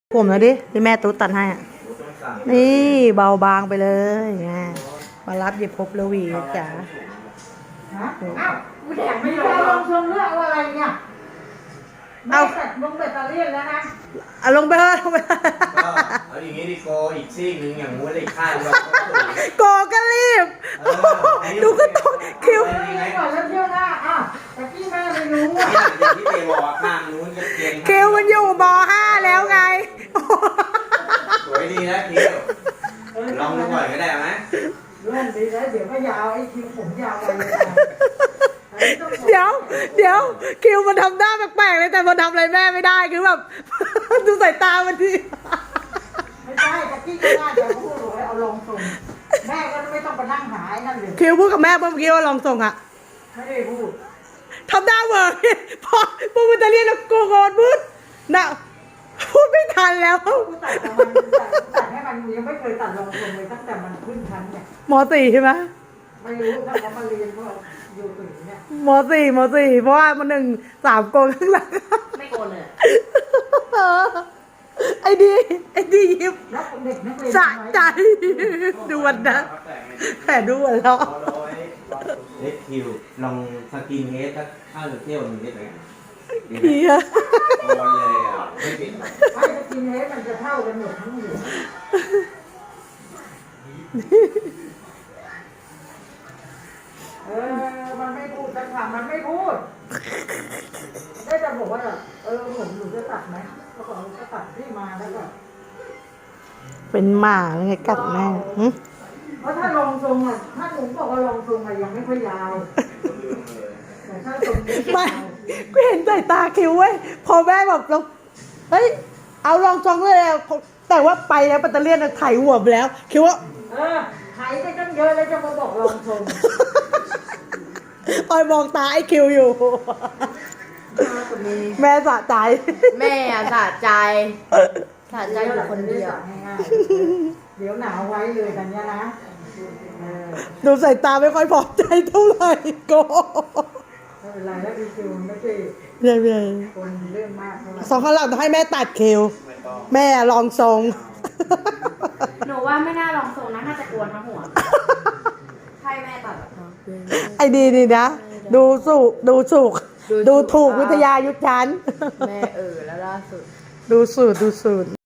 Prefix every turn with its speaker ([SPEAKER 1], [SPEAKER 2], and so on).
[SPEAKER 1] ผมนะดิที่แม่ตุ๊ดตัดให้อ่ะนี่เบาบางไปเลยไงมารับหยิบพบลวีจ๋า
[SPEAKER 2] ฮะอ้าวกูแดกไม่ยอมลงชงเรื่องอะไรเนี่ยเอาลงแบตเตอรี่แล้วนะ
[SPEAKER 1] เอาลงไปเถอะลงไป
[SPEAKER 3] เอาอย่างงี้ดิโกอีกซีกหนึ่งอย่างงู้นเลยข้างเรา
[SPEAKER 1] โกก็รีบดูก็ต้องคิว
[SPEAKER 2] ก่อนแล้วเที่ยวหน้าอ้าวแต่พี่แม่ไม่รู้อ่ะ
[SPEAKER 3] อย่างที่เตะบอกข้างนู้นจะเกณฑ์
[SPEAKER 1] คิวมันอยู่ม.5 แล้วไง
[SPEAKER 3] สวยดีนะคิวลองดูก่อนก็ได้ไหม
[SPEAKER 2] เรื่องดีแล้วเดี๋ยวก็ยาวไอ้คิวผมยาวไปเลย
[SPEAKER 1] เดี๋ยวคิวมันทำหน้าแปลกๆเลยแต่มันทำอะไรแม่ไม่ได้คือแบบดูสายตามันที
[SPEAKER 2] ไม่ใช่แต่พี่ก็น่าจะพูดเลยเอาลงส่งแม่ก็ไม่ต้องไปนั่งหาไอ้นั่นเลย
[SPEAKER 1] คิวพูดกับแม่เมื่อกี้ว่าลองส่งอ่ะ
[SPEAKER 2] ไม่ได้พูด
[SPEAKER 1] ทำหน้าเวอร์พอพูดมันจะเรียกแล้วโกโก้พูดน่ะพูดไม่ทันแล้ว
[SPEAKER 2] กูตัดให้มันยังไม่เคยตัดลงส่งเลยตั้งแต่มันขึ้นชั้นเนี่ย
[SPEAKER 1] ม.4 ใช่ไหม
[SPEAKER 2] ไม่รู้ถ้าเขามาเรียนว่าอยู่ถึงเนี่ย
[SPEAKER 1] ม.4 เพราะว่ามัน3 โกนข้างหลัง
[SPEAKER 4] ไม่โกนเลย
[SPEAKER 1] ไอ้ดียิ้มสะใจดูวันนะแต่ดูวันแล้ว
[SPEAKER 3] เล็กคิวลองสกินเฮดสักข้าวหรือเที่ยวหนึ่งได้ไหม
[SPEAKER 1] เฮีย
[SPEAKER 3] โกนเลยอ่ะไม่ปิด
[SPEAKER 2] ไม่สกินเฮดมันจะเท่ากันหมดทั้งหัวมันไม่พูดจะถามมันไม่พูดได้จะบอกว่าผมหนูจะตัดไหมก็บอกจะตัดที่มาแล้วก็
[SPEAKER 1] เป็นหมาไงกัดแม่
[SPEAKER 2] เพราะถ้าลงทรงอ่ะถ้าหนูบอกว่าลงทรงอ่ะยังไม่ค่อยยาวแต่ถ้าทรง
[SPEAKER 1] ไม่ก็เห็นสายตาคิวเว้ยพอแม่แบบเราเฮ้ยเอาลองทรงเลยแต่ว่าไปแล้วปัตเตอร์เลียนไถหัวไปแล้วคิดว่า
[SPEAKER 2] ไถไปตั้งเยอะแล้วจะมาบอกลองทรง
[SPEAKER 1] ออยมองตาไอ้คิวอยู่แม่สะใจ
[SPEAKER 4] แม่สะใจอยู่คนเดียว
[SPEAKER 2] เดี๋ยวหนาวไว้เลยกันเนี่ยนะ
[SPEAKER 1] ดูสายตาไม่ค่อยพอใจเท่าไหร่โก
[SPEAKER 2] ไม่เป็นไรแล้วดีคิวไม่ใช่คนเรื่องมากเท่าไหร่
[SPEAKER 1] สองข้างหลังต้องให้แม่ตัดคิวแม่ลองทรง
[SPEAKER 4] หนูว่าไม่น่าลองทรงนะน่าจะกวนทั้งหัวให้แม่ตัด
[SPEAKER 1] ไอ้ดีนะดูถูกวิทยายุทธชั้น
[SPEAKER 4] แม่แล้วล่าสุด
[SPEAKER 1] ดูสูตร